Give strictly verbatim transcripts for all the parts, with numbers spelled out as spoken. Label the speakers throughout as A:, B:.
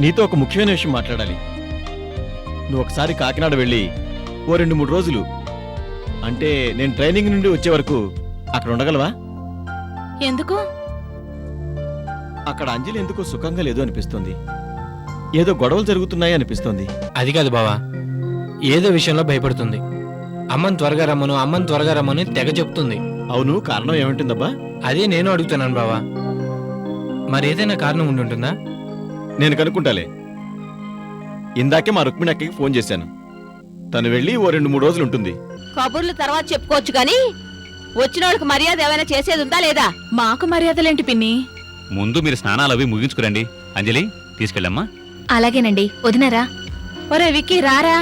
A: నీతో ఒక ముఖ్యమైన విషయం మాట్లాడాలి. నువ్వు ఒకసారి కాకినాడ వెళ్ళి ఓ రెండు మూడు రోజులు, అంటే నేను ట్రైనింగ్ నుండి వచ్చే వరకు అక్కడ ఉండగలవా?
B: ఎందుకు?
A: అక్కడ అంజలి ఎందుకో సుఖంగా లేదు అనిపిస్తుంది. ఏదో గొడవలు జరుగుతున్నాయి అనిపిస్తుంది.
C: అది కాదు బావా, ఏదో విషయంలో భయపడుతుంది. అమ్మని త్వరగా రమ్మను అమ్మని త్వరగా రమ్మని తెగ చెప్తుంది.
A: అవును, కారణం ఏమంటుందబ్బా?
C: అదే నేను అడుగుతున్నాను బావా. మరేదైనా కారణం ఉండుంటుందా?
A: నేను కనుక్కుంటాలే. ఇందాకే మా రుక్మిణి అక్కకి ఫోన్ చేశాను. తను వెళ్ళి ఓ రెండు మూడు రోజులు ఉంటుంది.
B: కబుర్లు తర్వాత చెప్పుకోవచ్చు గాని వచ్చిన వాళ్ళకి మర్యాద ఏమైనా చేసేది ఉందా లేదా? మాకు మర్యాదలేంటి పిన్ని?
D: ముందు మీరు స్నానాలు అవి ముగించుకురండి. అంజలి తీసుకెళ్ళమ్మా.
E: అలాగేనండి, వదినరా.
B: ఒరే విక్కీ రారా.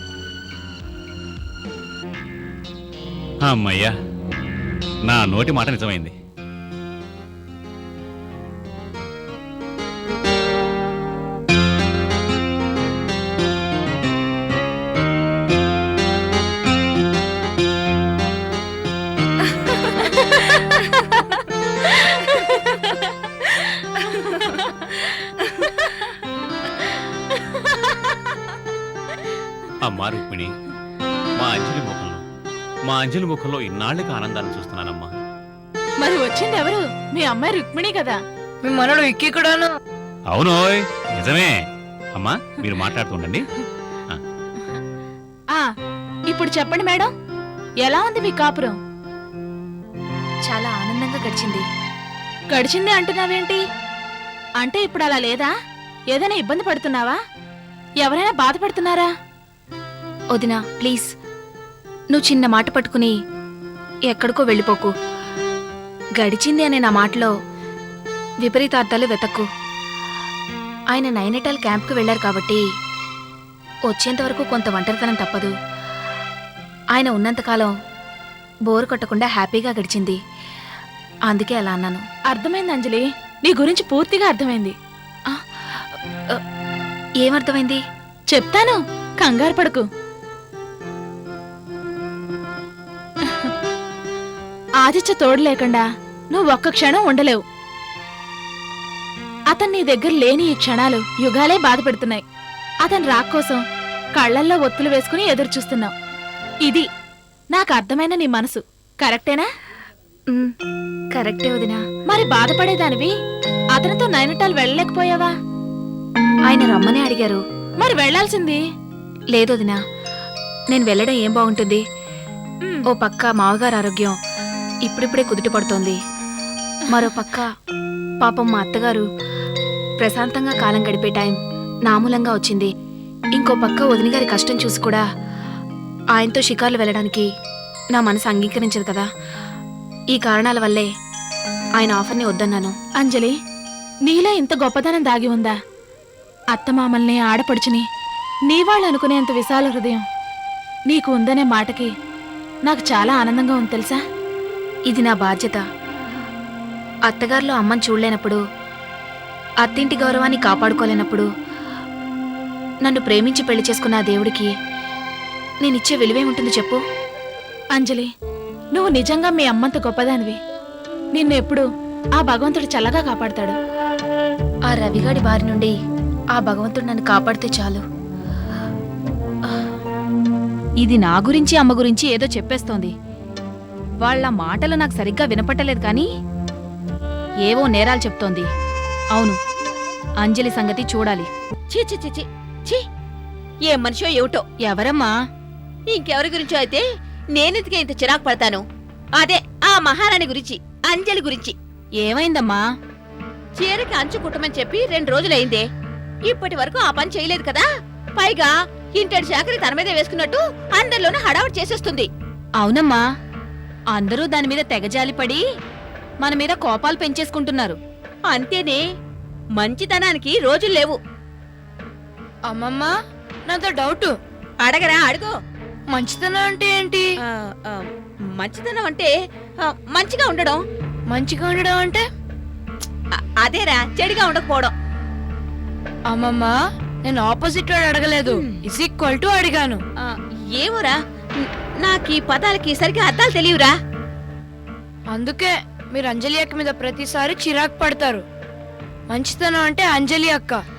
D: అమ్మయ్యా, నా నోటి మాట నిజమైంది. అమ్మా రుక్మిణి, మా అంజలి ముఖంలో మా అంజలి ముఖంలో ఇన్నాళ్ళకి ఆనందాన్ని చూస్తున్నానమ్మా.
B: మరి వచ్చింది ఎవరు? మీ అమ్మాయి రుక్మిణి కదా.
E: మీ మనోడు విక్కీ కూడాను.
D: అవునోయ్, నిజమే. అమ్మా మీరు మాట్లాడుతుండండి.
B: ఆ ఇప్పుడు చెప్పండి మేడం, ఎలా ఉంది మీ కాపురం?
E: చాలా ఆనందంగా గడిచింది.
B: గడిచింది అంటున్నావేంటి? అంటే ఇప్పుడు అలా లేదా? ఏదైనా ఇబ్బంది పడుతున్నావా? ఎవరైనా బాధపడుతున్నారా?
E: వదినా ప్లీజ్, నువ్వు చిన్న మాట పట్టుకుని ఎక్కడికో వెళ్ళిపోకు. గడిచింది అనే నా మాటలో విపరీతార్థాలు వెతక్కు. ఆయన నైనిటాల్ క్యాంప్కి వెళ్లారు కాబట్టి వచ్చేంతవరకు కొంత ఒంటరితనం తప్పదు. ఆయన ఉన్నంతకాలం బోరు కొట్టకుండా హ్యాపీగా గడిచింది. అందుకే అలా అన్నాను.
B: అర్థమైంది అంజలి, నీ గురించి పూర్తిగా అర్థమైంది.
E: ఏమర్థమైంది?
B: చెప్తాను, కంగారు పడకు. ఆదిత్య తోడు లేకుండా నువ్వు ఒక్క క్షణం ఉండలేవు. అతను నీ దగ్గర లేని ఈ క్షణాలు యుగాలే బాధపెడుతున్నాయి. అతను రాక్కోసం కళ్లల్లో ఒత్తులు వేసుకుని ఎదురు చూస్తున్నావు. ఇది నాకు అర్థమైన నీ మనసు. కరెక్టేనా?
E: కరెక్టే వదినా.
B: మరి బాధపడేదానివి అతనితో నైనిటాల్ వెళ్ళలేకపోయావా?
E: ఆయన రమ్మని అడిగారు.
B: మరి వెళ్లాల్సింది.
E: లేదు వదినా, నేను వెళ్ళడం ఏం బాగుంటుంది. ఓ పక్క మావగారు ఆరోగ్యం ఇప్పుడిప్పుడే కుదుట పడుతోంది. మరో పక్క పాపం మా అత్తగారు ప్రశాంతంగా కాలం గడిపే టైం నామూలంగా వచ్చింది. ఇంకో పక్క వదినగారి కష్టం చూసి కూడా ఆయనతో షికార్లు వెళ్ళడానికి నా మనసు అంగీకరించదు కదా. ఈ కారణాల వల్లే ఆయన ఆఫర్ని వద్దన్నాను.
B: అంజలి, నీలో ఇంత గొప్పదనం దాగి ఉందా? అత్తమామల్ని ఆడపడుచుని నీవాళ్ళు అనుకునేంత విశాల హృదయం నీకు ఉందనే మాటకి నాకు చాలా ఆనందంగా ఉంది తెలుసా.
E: ఇది నా బాధ్యత. అత్తగారిలో అమ్మని చూడలేనప్పుడు, అత్తింటి గౌరవాన్ని కాపాడుకోలేనప్పుడు నన్ను ప్రేమించి పెళ్లి చేసుకున్న ఆ దేవుడికి నేనిచ్చే విలువేముంటుంది చెప్పు?
B: అంజలి, నువ్వు నిజంగా మీ అమ్మంత గొప్పదానివి. నిన్ను ఎప్పుడు ఆ భగవంతుడు చల్లగా కాపాడతాడు.
E: ఆ రవిగాడి బారి నుండి ఆ భగవంతుడు నన్ను కాపాడితే చాలు.
F: ఇది నా గురించి అమ్మ గురించి ఏదో చెప్పేస్తోంది. వాళ్ళ మాటలు నాకు సరిగ్గా వినపట్టలేదు కానీ ఏవో నేరాలు చెప్తోంది. అవును, అంజలి సంగతి చూడాలి.
B: చీ చీ చీ చీ, ఏ మనిషో ఏమిటో.
F: ఎవరమ్మా?
B: ఇంకెవరి గురించో అయితే నేనెందుకే ఇంత చిరాకు పడతాను? అదే ఆ మహారాణి గురించి, అంజలి గురించి.
F: ఏమైందమ్మా?
B: చీరకి అంచు కుట్టమని చెప్పి రెండు రోజులైందే. ఇప్పటి వరకు ఆ పని చేయలేదు కదా. పైగా ఇంటడి శాఖని తన మీద వేసుకున్నట్టు అందరిలోనూ హడావుడి చేసేస్తుంది.
F: అవునమ్మా, అందరూ దాని మీద తెగజాలిపడి మన మీద కోపాలు పెంచేసుకుంటున్నారు.
B: అంతేనే, మంచితనానికి రోజులు లేవు.
E: అమ్మమ్మ, నాతో డౌట్.
B: అడగరా, అడుగు.
E: మంచితనం అంటే ఏంటి?
B: మంచితనం అంటే మంచిగా ఉండడం.
E: మంచిగా ఉండడం అంటే?
B: అదేరా, చెడుగా ఉండకపోవడం.
E: అమ్మమ్మ, నేను ఆపోజిట్ వాడు అడగలేదు, ఇస్ ఈక్వల్ టు అడిగాను.
B: ఏమోరా, నాకు ఈ పదాలకి సరిగ్గా అర్థాలు తెలియరా.
E: అందుకే మీరు అంజలి అక్క మీద ప్రతిసారి చిరాకు పడతారు. మంచితనం అంటే అంజలి అక్క,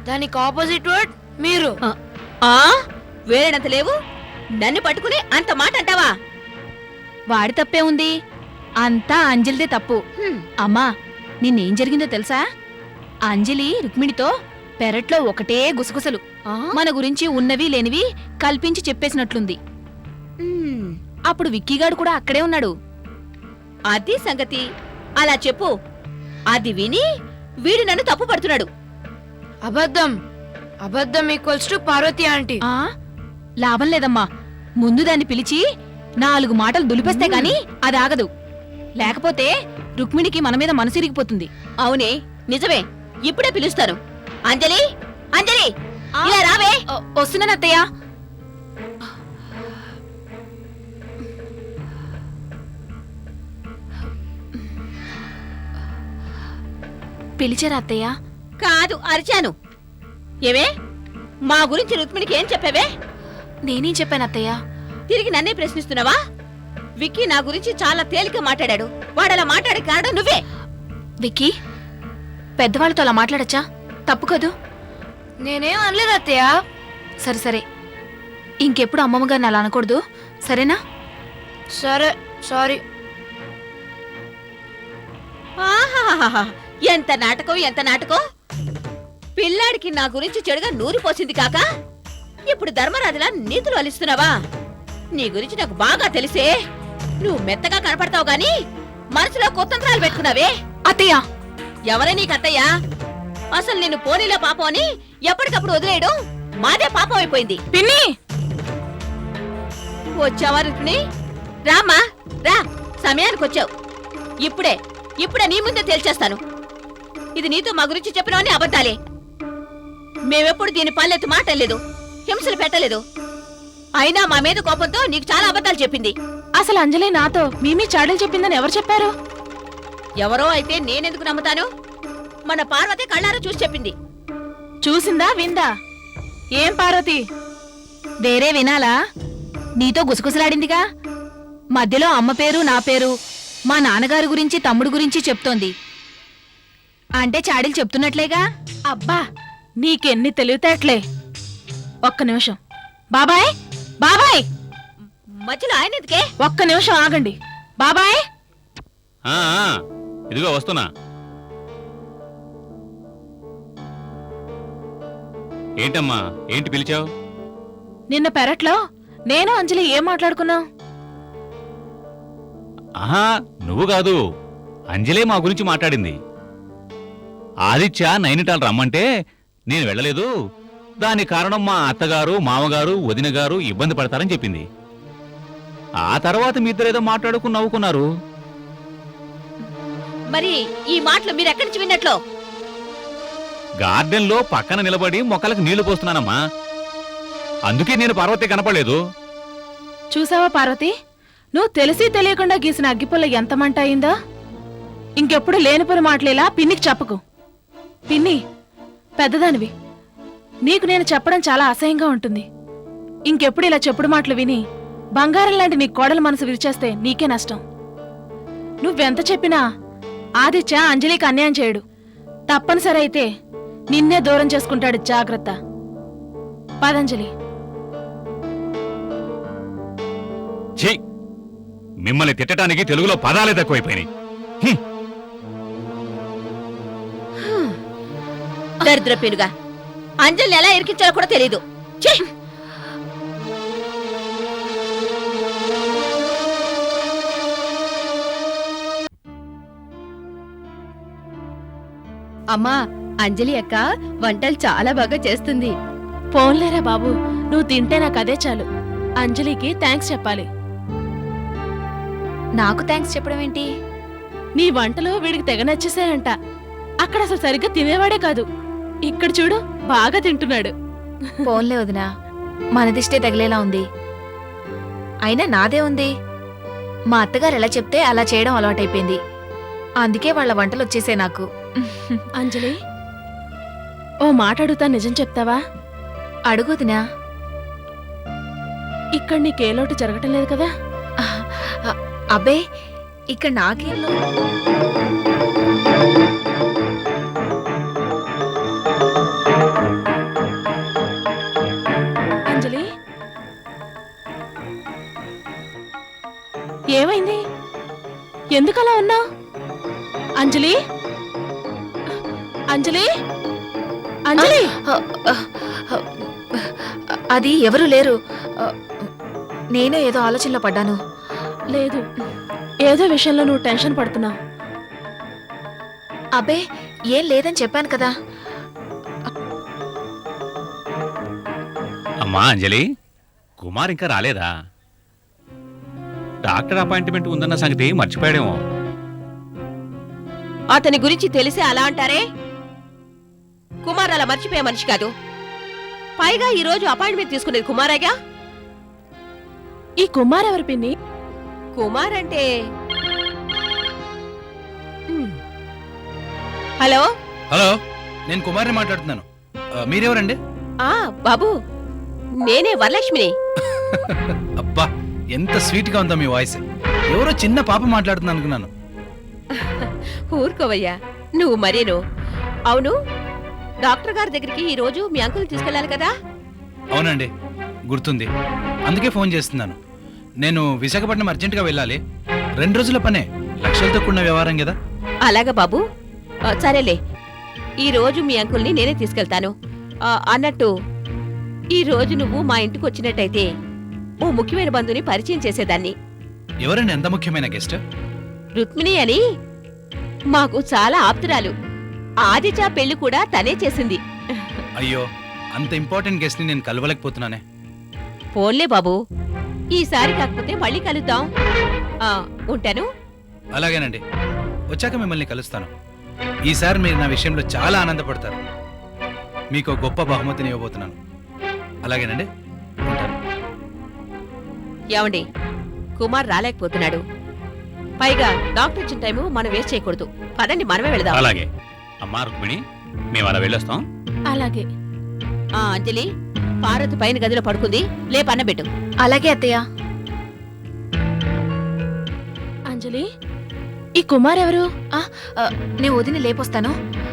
G: దానికి ఆపోజిట్ వర్డ్ మీరు.
H: ఆ వేరేనంత లేవు, నన్ను పట్టుకుని అంత మాట అంటావా?
F: వాడి తప్పే ఉంది, అంతా అంజలిదే తప్పు.
H: హ్మ్.
F: అమ్మా, నిన్నేం జరిగిందో తెలుసా? అంజలి రుక్మిణితో పెరట్లో ఒకటే గుసగుసలు,
H: ఆ?
F: మన గురించి ఉన్నవి లేనివి కల్పించి చెప్పేసినట్లుంది.
H: హ్మ్.
F: అప్పుడు విక్కీగాడు కూడా అక్కడే ఉన్నాడు.
H: అది సంగతి. అలా చెప్పు. అది విని వీడు నన్ను తప్పు పడుతున్నాడు.
G: అబద్ధం. అబద్ధం ఈక్వల్స్ టు పార్వతి ఆంటీ.
F: ఆ లాభం లేదమ్మా, ముందు దాన్ని పిలిచి నాలుగు మాటలు దులిపేస్తే గాని అది ఆగదు. లేకపోతే రుక్మిణికి మన మీద మనసిరిగిపోతుంది.
H: అవునే, నిజమే. ఇప్పుడే పిలుస్తాను. అంజలి, అంజలి, ఇలా రావే.
F: వస్తున్నాను అత్తయ్య. పిలిచారా అత్తయ్య?
H: కాదు, అరిచాను. ఏవే, మా గురించి రుక్మిణికి ఏం చెప్పావే?
F: నేనేం చెప్పాను అత్తయ్య?
H: తిరిగి నన్నే ప్రశ్నిస్తున్నావా? విక్కీ నా గురించి చాలా తేలిక మాట్లాడాడు. వాడలా మాట్లాడే కారణం నువ్వే.
F: విక్కీ, పెద్దవాళ్ళతో అలా మాట్లాడచ్చా? తప్పు కదూ.
G: నేనేం అనలేదు అత్తయ్య.
F: సరే సరే, ఇంకెప్పుడు అమ్మమ్మ గారిని అలా అనకూడదు, సరేనా?
G: సరే, సారీ.
H: ఆహాహాహా, ఎంత నాటకం, ఎంత నాటకం! పిల్లాడికి నా గురించి చెడుగా నూరిపోసింది కాక ఇప్పుడు ధర్మరాజులా నీతులు అలిస్తున్నావా? నీ గురించి నాకు బాగా తెలిసే. నువ్వు మెత్తగా కనపడతావు గాని మనసులో కొత్తంత్రాలు పెట్టుకున్నావే.
F: అత్తయ్య,
H: ఎవరే నీకు అత్తయ్య? అసలు నిన్ను పోనీలో పాపం అని ఎప్పటికప్పుడు వదిలేయడం మాదే పాపం అయిపోయింది.
B: పిన్ని,
H: వచ్చావా రుక్మిణి? రామ్మా, రా. సమయానికి వచ్చావు. ఇప్పుడే ఇప్పుడే నీ ముందే తేల్చేస్తాను. ఇది నీతో మా గురించి చెప్పినవని అబద్ధాలే. మేమెప్పుడు దీని పల్లెత్తు మాటలేదు, హింసలు పెట్టలేదు. అయినా మా మీద కోపంతో నీకు చాలా అబద్ధాలు చెప్పింది.
B: అసలు అంజలి నాతో మీమీ చాడలు చెప్పిందని ఎవరు చెప్పారు?
H: ఎవరో అయితే నేనెందుకు నమ్ముతాను? మన పార్వతి కళ్ళారా చూసి చెప్పింది.
B: చూసిందా విందా? ఏం పార్వతి?
F: వేరే వినాలా? నీతో గుసగుసలాడిందిగా, మధ్యలో అమ్మ పేరు నా పేరు మా నాన్నగారి గురించి తమ్ముడు గురించి చెప్తోంది. అంటే చాడీలు చెప్తున్నట్లేగా.
B: అబ్బా, నీకెన్ని తెలివితేటలే. ఒక్క నిమిషం. బాబాయ్, బాబాయ్,
H: మధ్యలో ఆయన ఎందుకే?
B: ఒక్క నిమిషం ఆగండి. బాబాయ్,
D: ఆ, ఆ, ఇదిగో వస్తున్నా. ఏంటమ్మా, ఏంటి పిలిచావు?
B: నిన్న పెరట్లో నేను అంజలి ఏం మాట్లాడుకున్నాం?
D: ఆహా, నువ్వు కాదు, అంజలే మా గురించి మాట్లాడింది. ఆదిత్య నైనిటాల్ రమ్మంటే నేను వెళ్ళలేదు. దానికి కారణం మా అత్తగారు, మామగారు, వదిన గారు ఇబ్బంది పడతారని చెప్పింది. ఆ తర్వాత మీ ఇద్దరేదో మాట్లాడుకుని నవ్వుకున్నారు.
H: మరి ఈ మాటలు మీరెక్కడి నుంచి విన్నట్లు?
D: గార్డెన్ లో పక్కన నిలబడి మొక్కలకు నీళ్లు పోస్తున్నానమ్మా. అందుకే నేను పార్వతి కనపడలేదు.
B: చూసావా పార్వతి, నువ్వు తెలిసి తెలియకుండా గీసిన అగ్గిపుల్ల ఎంత మంట అయిందో. ఇంకెప్పుడు లేనిపోని మాటలేలా పిన్నికి చెప్పకు. పిన్ని, పెద్దదానివి, నీకు నేను చెప్పడం చాలా అసహ్యంగా ఉంటుంది. ఇంకెప్పుడు ఇలా చెప్పుడు మాటలు విని బంగారం లాంటి నీ కోడల మనసు విరిచేస్తే నీకే నష్టం. నువ్వెంత చెప్పినా ఆదిత్య అంజలికి అన్యాయం చేయడు. తప్పనిసరి అయితే నిన్నే దూరం చేసుకుంటాడు. జాగ్రత్త. పదంజలి.
D: ఛీ, మిమ్మల్ని తిట్టడానికి తెలుగులో పదాలే తక్కువైపోయినాయి. హ్మ్.
H: దరిద్ర పెనుగా అంజలిని ఎలా ఇరికించాలో కూడా తెలీదు. ఛీ!
E: అమ్మా, అంజలి అక్క వంటలు చాలా బాగా చేస్తుంది.
B: పోన్లేరా బాబు, నువ్వు తింటే నాకు అదే చాలు. అంజలికి థ్యాంక్స్ చెప్పాలి.
F: నాకు థ్యాంక్స్ చెప్పడం ఏంటి?
B: నీ వంటలు వీడికి తెగ నచ్చేసాయంట. అక్కడ అసలు సరిగ్గా తినేవాడే కాదు, ఇక్కడ చూడు బాగా తింటున్నాడు.
F: పోన్లే వదినా, మనదిష్టే తగిలేలా ఉంది. అయినా నాదే ఉంది. మా అత్తగారు ఎలా చెప్తే అలా చేయడం అలవాటైపోయింది. అందుకే వాళ్ళ వంటలు వచ్చేసే నాకు.
B: అంజలి, ఓ మాట అడుగుతా, నిజం చెప్తావా?
F: అడుగుదినా.
B: ఇక్కడ నీకే లోటు జరగటం లేదు కదా?
F: అబ్బే, ఇక్కడ నాకేం లోటు?
B: ఏమైంది? ఎందుకలా ఉన్నా? అంజలి అంజలి అంజలి
E: ఆ, ఆ, ఆ, అది ఎవరు లేరు. ఆ, నేనే ఏదో ఆలోచనలో పడ్డాను.
B: లేదు, ఏదో విషయంలో నువ్వు టెన్షన్ పడుతున్నావు.
E: అబ్బే ఏం లేదని చెప్పాను కదా.
D: అమ్మా అంజలి, కుమార్ ఇంకా రాలేదా? డాక్టర్ అపాయింట్మెంట్ ఉందన్న సంగతి మర్చిపోయాడేమో.
H: అతని గురించి తెలిసి అలా అంటారే? కుమార్ అలా మర్చిపోయే మనిషి కాదు. పైగా ఈ రోజు అపాయింట్మెంట్ తీసుకునేది కుమారేగా.
B: ఈ కుమార్ ఎవరు పిన్ని?
H: కుమార్ అంటే ఉమ్. హలో
I: హలో, నేను కుమార్ని మాట్లాడుతున్నాను. ఆ, మీరెవరండి?
H: ఆ బాబు, నేనే వరలక్ష్మిని.
I: అబ్బా, ఎంత స్వీట్ గా ఉందో మీ వాయిస్. ఎవరో చిన్న పాప మాట్లాడుతుంది అనుకున్నాను.
H: ఊరుకోవయ్యా, నువ్వు మరేను. అవును, డాక్టర్ గారి దగ్గరికి ఈ రోజు మీ అంకుల్ తీసుకెళ్ళాలి కదా?
I: అవునండి, గుర్తుంది. అందుకే ఫోన్ చేస్తున్నాను. నేను విశాఖపట్నం అర్జెంటుగా వెళ్ళాలి. రెండు రోజుల పనే, లక్షలతో కూడిన వ్యవహారం కదా.
H: అలాగా బాబు. ఆ, సరేలే, ఈ రోజు మీ అంకుల్ని నేనే తీసుకెళ్తాను. ఆ, అన్నట్టు ఈ రోజు నువ్వు మా ఇంటికి వచ్చినట్టయితే ఓ ముఖ్యమైన బంధుని పరిచయం చేసేదాన్ని.
I: ఎవరండి ఎంత ముఖ్యమైన గెస్ట్?
H: రుక్మిణి అని మాకు చాలా ఆప్తురాలు. ఆదిచా పెళ్లి కూడా తనే చేసింది.
I: అయ్యో, అంత ఇంపార్టెంట్ గెస్ట్ ని నేను కలవలేకపోతున్నానే.
H: పోన్లే బాబు, ఈసారి కాకపోతే మళ్ళీ కలుద్దాం. ఆ, ఉంటాను.
I: అలాగేనండి, వచ్చాక మిమ్మల్ని కలుస్తాను. ఈసారి మీరు నా విషయంలో చాలా ఆనందపడతారు. మీకు ఒక గొప్ప బహుమతిని ఇవ్వబోతున్నాను. అలాగేనండి, ఉంటాను.
H: ఏమండి, కుమార్ రాలేకపోతున్నాడు. పైగా డాక్టర్ ఇచ్చిన టైము మనం వేస్ట్ చేయకూడదు. పదండి, మనమే వెళదాం.
D: అలాగే అమ్మా రుక్మిణి, మేము అలా వెళ్ళొస్తాం.
B: అలాగే.
H: ఆ అంజలి, పార్వతి పైన గదిలో పడుకుంది, లేపన్నబెట్టు.
E: అలాగే అత్తయ్య.
B: అంజలి, ఈ కుమార్ ఎవరు?
E: ఆ, ఆ, నేను వదిని లేపొస్తాను.